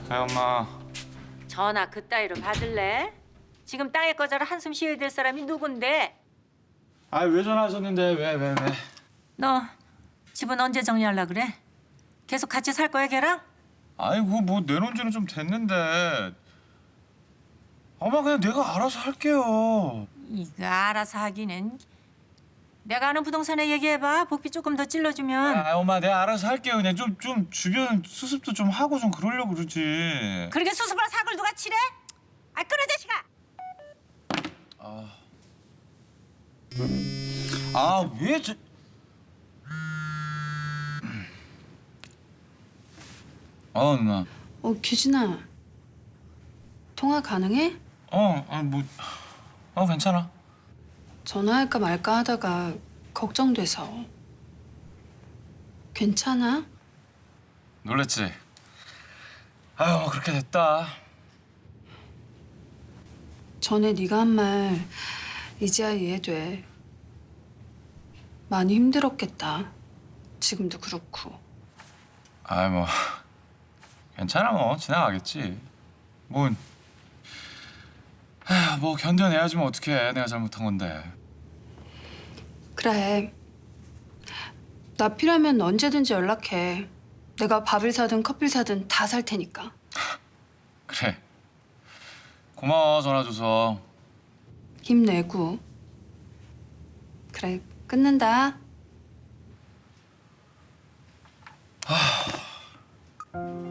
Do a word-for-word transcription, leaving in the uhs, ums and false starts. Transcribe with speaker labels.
Speaker 1: 아 엄마.
Speaker 2: 전화 그따위로 받을래? 지금 땅에 꺼져라 한숨 쉬어야 될 사람이 누군데?
Speaker 1: 아 왜 전화하셨는데 왜 왜 왜?
Speaker 2: 너 집은 언제 정리하려 그래? 계속 같이 살 거야 걔랑?
Speaker 1: 아이고 뭐 내놓은 지는 좀 됐는데. 엄마 그냥 내가 알아서 할게요.
Speaker 2: 이거 알아서 하기는. 내가 아는 부동산에 얘기해봐. 복비 조금 더 찔러주면.
Speaker 1: 아 엄마 내가 알아서 할게요. 그냥 좀 좀 주변 수습도 좀 하고 좀 그러려고 그러지.
Speaker 2: 그렇게 수습할 사글 누가 치래? 아 끊어 자식아.
Speaker 1: 아 왜 저? 어 누나.
Speaker 3: 어, 규진아. 통화 가능해?
Speaker 1: 어, 아 뭐, 어 괜찮아.
Speaker 3: 전화할까 말까 하다가 걱정돼서. 괜찮아?
Speaker 1: 놀랬지? 아유 뭐 그렇게 됐다.
Speaker 3: 전에 네가 한 말 이제야 이해돼. 많이 힘들었겠다. 지금도 그렇고.
Speaker 1: 아이 뭐 괜찮아 뭐 지나가겠지. 뭐, 아, 뭐 견뎌내야지 뭐 어떡해. 내가 잘못한 건데.
Speaker 3: 그래. 나 필요하면 언제든지 연락해. 내가 밥을 사든 커피를 사든 다 살 테니까.
Speaker 1: 그래. 고마워 전화 줘서.
Speaker 3: 힘내고. 그래, 끊는다.